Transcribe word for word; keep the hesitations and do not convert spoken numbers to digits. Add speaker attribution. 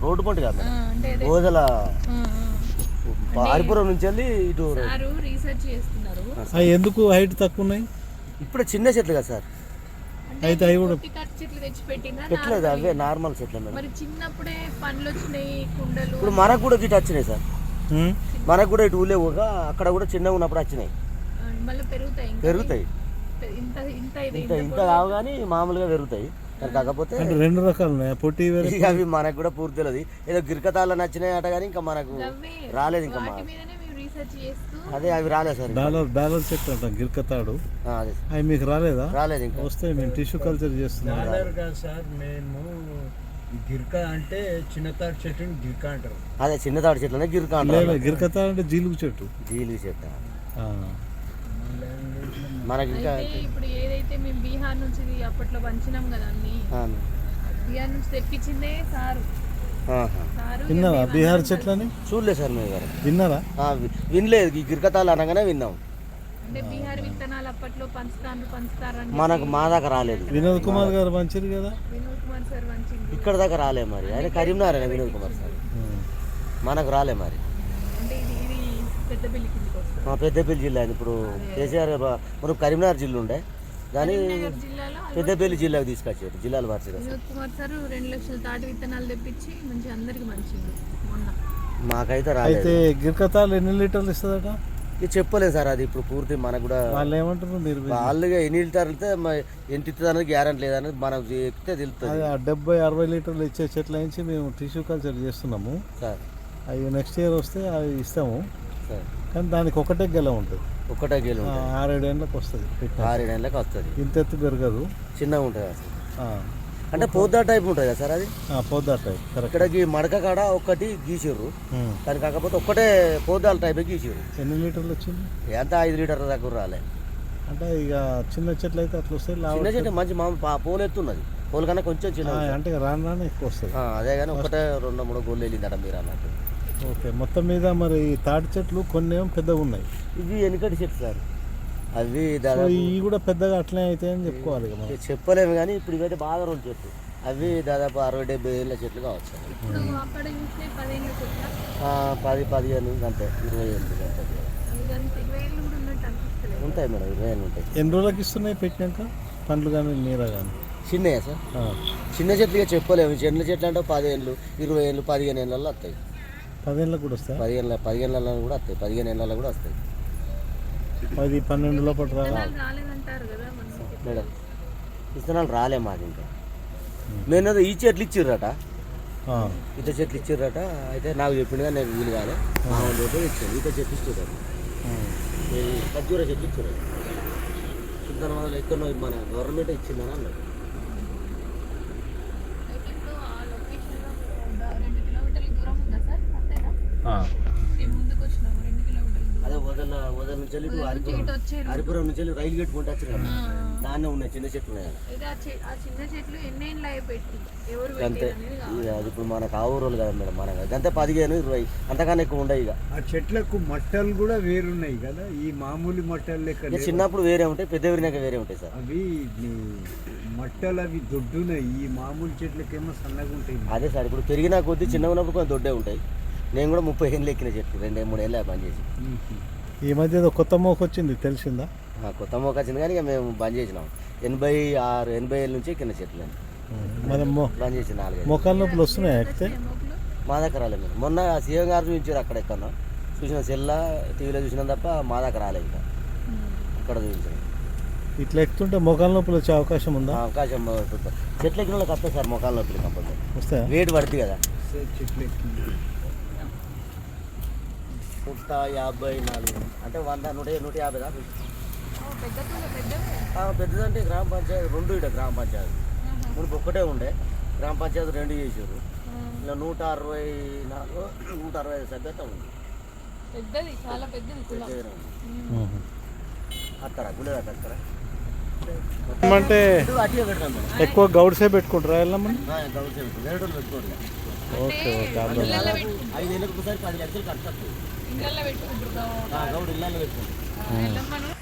Speaker 1: Road పంట కాదు గోదల హరిపురం నుంచి వెళ్ళి ఇటు
Speaker 2: రీసెర్చ్ చేస్తున్నారు.
Speaker 3: ఎందుకు హైట్ తక్కువ ఉన్నాయి?
Speaker 1: ఇప్పుడు చిన్న చెట్లు కదా సార్,
Speaker 3: అయితే అవి కూడా
Speaker 2: చెట్లు తెచ్చి పెట్టినా
Speaker 1: పెట్టలేదు, అవే నార్మల్ చెట్లు.
Speaker 2: మరి చిన్నప్పుడే పండ్లు వచ్చినాయి కుండలు.
Speaker 1: ఇప్పుడు మనకు కూడా ఇటు వచ్చినాయి సార్, మనకు కూడా ఇటు ఊళ్ళే పోగా అక్కడ కూడా చిన్నగా ఉన్నప్పుడు వచ్చినాయి,
Speaker 2: మళ్ళీ పెరుగుతాయి
Speaker 1: పెరుగుతాయి
Speaker 2: ఇంత ఇంత
Speaker 1: ఇంత ఇంత కావు కానీ మామూలుగా పెరుగుతాయి. కాకపోతే
Speaker 3: రెండు రకాలు పొట్టి
Speaker 1: అవి మనకు కూడా పూర్తి తెలియదు. ఏదో గిరికతాళ్ళ నచ్చినాయి అట కానీ ఇంకా మనకు రాలేదు. ఇంకా అదే అవి రాలేదు సార్.
Speaker 3: డాలర్ డాలర్ చెట్టు అంటాం గిరికతాడు, అవి మీకు రాలేదా?
Speaker 1: రాలేదు. ఇంకా
Speaker 3: వస్తే మేము టిష్యూ కల్చర్ చేస్తున్నాం
Speaker 4: సార్. మేము గిరిక అంటే చిన్న తాడు చెట్టు గిరిక అంటారు.
Speaker 1: అదే చిన్న తాడు చెట్లనే గిరిక అంటారు.
Speaker 3: గిరికతాడు అంటే జీలుగు చెట్టు.
Speaker 1: జీలుగు చెట్టు మనకి ఇంకా
Speaker 2: ఇప్పుడు ఏదైతే మేము బీహార్ నుంచి అప్పట్లో పంచినాం కదా అన్ని, బీహార్ నుంచి తెప్పించిందే సారు.
Speaker 3: విన్నారా బీహార్ చెట్లని?
Speaker 1: చూడలేదు సార్ మేము గారు.
Speaker 3: విన్నారా?
Speaker 1: వినలేదు. ఈ గిరికతాలు అనగానే విన్నాం.
Speaker 2: అంటే బీహార్ విత్తనాలు అప్పట్లో పంచుతారు పంచుతారు
Speaker 1: మనకు మా దాకా రాలేదు.
Speaker 3: వినోద్ కుమార్ గారు పంచారు కదా,
Speaker 2: వినోద్ కుమార్ సార్ పంచింది.
Speaker 1: ఇక్కడ దాకా రాలే మరి. ఆయన కరీంనగర్ అయినా వినోద్ కుమార్ సార్, మనకు రాలే మరి.
Speaker 2: అంటే ఇది ఇది పెద్దపల్లి కిందకి వస్తుంది.
Speaker 1: పెద్దపల్లి జిల్లా. ఇప్పుడు కేసీఆర్ మనం కరీంనగర్ జిల్లా ఉండే దాని పెద్దపల్లి జిల్లాకు తీసుకొచ్చారు. జిల్లాలు మార్చారు.
Speaker 2: వినోద్ కుమార్ సార్ రెండు లక్షల తాటి విత్తనాలు తెప్పించి మంచి అందరికి మంచిది మొన్న.
Speaker 1: మాకైతే రాలేదు.
Speaker 3: అయితే గిరికతాలు ఎన్ని లీటర్లు ఇస్తుందట?
Speaker 1: ఇది చెప్పలేదు సార్. అది ఇప్పుడు పూర్తి మనకు కూడా
Speaker 3: వాళ్ళు ఏమంటారు, మీరు
Speaker 1: వాళ్ళుగా ఎన్ని లీటర్లు అయితే ఎంత ఇస్తుంది అనేది గ్యారంటీ లేదనేది మనకు ఎక్కితే తెలుస్తుంది.
Speaker 3: డెబ్బై అరవై లీటర్లు ఇచ్చే చెట్ల నుంచి మేము టిష్యూ కల్చర్ చేస్తున్నాము
Speaker 1: సార్.
Speaker 3: అవి నెక్స్ట్ ఇయర్ వస్తే అవి ఇస్తాము
Speaker 1: సార్.
Speaker 3: కానీ దానికి ఒకటే గెల ఉంటుంది,
Speaker 1: ఒకటే గేలు
Speaker 3: ఆరేడేళ్ళకి వస్తుంది.
Speaker 1: ఆరేడేళ్ళకి వస్తుంది.
Speaker 3: ఇంత ఎత్తు పెరగదు,
Speaker 1: చిన్నగా ఉంటుంది అసలు. అంటే పోద్దా టైప్ ఉంటుంది కదా సార్ అది.
Speaker 3: పోద్దా టైప్.
Speaker 1: ఇక్కడికి మడక కాడ ఒక్కటి గీసిర్రు, కానీ కాకపోతే ఒక్కటే పోద్దాల టైప్ గీసిర్రు.
Speaker 3: ఎన్ని లీటర్లు వచ్చింది?
Speaker 1: ఎంత ఐదు లీటర్ల దగ్గర రాలే.
Speaker 3: అంటే ఇక చిన్న చెట్లు అయితే అట్లా వస్తాయి.
Speaker 1: చిన్న చెట్టు మంచి మామూలు పోలు ఎత్తున్నది, పోలు కన్నా కొంచెం చిన్న.
Speaker 3: అంటే రాను రాను ఎక్కువ వస్తుంది.
Speaker 1: అదే కానీ ఒకటే రెండు మూడు గోళ్ళు వెళ్ళిందట మీరు అన్నట్టు.
Speaker 3: ఓకే. మొత్తం మీద మరి తాటి చెట్లు కొన్ని ఏమో పెద్దగా ఉన్నాయి.
Speaker 1: ఇవి వెనుకటి చెట్లు సార్. అవి దాదాపు
Speaker 3: ఇవి కూడా పెద్దగా అట్లనే అయితే అని చెప్పుకోవాలి.
Speaker 1: చెప్పలేము కానీ ఇప్పుడు ఇవైతే బాగా రోజు చెట్లు. అవి దాదాపు అరవై డెబ్బై ఏళ్ళ చెట్లు కావచ్చు. పది పదిహేను అంతే, ఇరవై ఏళ్ళు ఉంటాయి మేడం. ఇరవై ఏళ్ళు ఉంటాయి.
Speaker 3: ఎన్ని రోజులకి ఇస్తున్నాయి పెట్టినాక పండ్లు కానీ నీర కానీ?
Speaker 1: చిన్నయా సార్? చిన్న చెట్లు చెప్పలేము. చిన్న చెట్లు అంటే పదిహేళ్ళు ఇరవై ఏళ్ళు పదిహేను ఏళ్ళల్లో వస్తాయి.
Speaker 3: పదిహేనులకు కూడా వస్తాయి.
Speaker 1: పదిహేను పదిహేను ఏళ్ళలో కూడా వస్తాయి. పదిహేను ఏళ్ళలో కూడా వస్తాయి.
Speaker 3: పది పన్నెండు లోపల రావాలి
Speaker 1: మేడం. విత్తనాలు రాలే మాది ఇంకా. నేను ఈ చెట్లు ఇచ్చిర్రట, ఈత చెట్లు ఇచ్చిర్రట. అయితే నాకు చెప్పిండు కానీ నేను వీలు కాలే. మామూలు ఇచ్చాను. ఈత చెట్లు ఇచ్చిర్రట, ఖర్జూర చెట్లు ఇచ్చిర్రట. విత్తనం వల్ల ఎక్కడో మన గవర్నమెంట్ ఇచ్చిందని అన్నాడు. అదే వదల వదల నుంచి వెళ్ళి హరిపురం నుంచి వెళ్ళి రైలు గేట్ కొంటే వచ్చిన దాన్నే ఉన్నాయి చిన్న చెట్లు ఉన్నాయి. అంతే. అది ఇప్పుడు మనకు ఆ ఊరు కదా మేడం, మనకు అంతే పదిహేను ఇరవై అంతకన్నా ఎక్కువ ఉండవు. ఇక
Speaker 4: ఆ చెట్లకు మట్టలు కూడా వేరున్నాయి కదా, ఈ మామూలు మట్టలు లెక్క.
Speaker 1: చిన్నప్పుడు వేరే ఉంటాయి, పెద్ద విరినాక వేరే ఉంటాయి సార్.
Speaker 4: అవి మట్టలు అవి దొడ్డున్నాయి. ఈ మామూలు చెట్లకేమో సన్నగా ఉంటాయి.
Speaker 1: అదే సార్. ఇప్పుడు పెరిగినా కొద్దీ చిన్నగా ఉన్నప్పుడు కొంచెం దొడ్డే ఉంటాయి. నేను కూడా ముప్పై ఏళ్ళు ఎక్కిన చెట్లు, రెండు మూడు ఏళ్ళు బంద్ చేసి.
Speaker 3: ఈ మధ్య ఏదో కొత్త మోక వచ్చింది తెలిసిందా?
Speaker 1: కొత్త మోక వచ్చింది కానీ ఇక మేము బంద్ చేసినాం. ఎనభై ఆరు ఎనభై ఏళ్ళ నుంచి ఎక్కిన చెట్లు బంద్ చేసి నాలుగు.
Speaker 3: మొక్కల నొప్పులు వస్తున్నాయి ఎక్కితే?
Speaker 1: మా దగ్గర రాలేదు మీరు. మొన్న సీఎం గారు చూపించారు అక్కడ ఎక్కడో చూసిన, సెల్లా టీవీలో చూసినా తప్ప మా దగ్గర రాలేదు. ఇంకా అక్కడ చూపించారు.
Speaker 3: ఇట్లా ఎక్కుతుంటే మొక్కల నొప్పులు వచ్చే అవకాశం ఉందా?
Speaker 1: అవకాశం. చెట్లు ఎక్కిన వాళ్ళకి వస్తాయి సార్ మొక్కల నొప్పులు కంపల్సరీ
Speaker 3: వస్తాయి.
Speaker 1: వేడి పడుతుంది కదా.
Speaker 4: చెట్లు ఎక్కి
Speaker 1: నూట యాభై నాలుగు అంటే వంద నూట నూట యాభై దాకా పెద్దదంటే గ్రామ పంచాయతీ రెండు. ఇట గ్రామ పంచాయతీ మునుపు ఒక్కటే ఉండే, గ్రామ పంచాయతీ రెండు చేసారు. ఇలా నూట అరవై నాలుగు నూట అరవై ఐదు సభ్యత ఉంది. అక్కడ గుడి అక్కడ
Speaker 3: అంటే ఎక్కువ గౌడ్సే పెట్టుకుంటారా? వెళ్ళమని
Speaker 1: గౌడ్సే పెట్టుకుంటారు, పెట్టుకోండి.
Speaker 3: Okay okay.
Speaker 1: ఐదేళ్ళకి ఒకసారి పది లక్షలు కట్టచ్చు. గౌడ్ ఇళ్ళలో పెట్టుకుంటారు.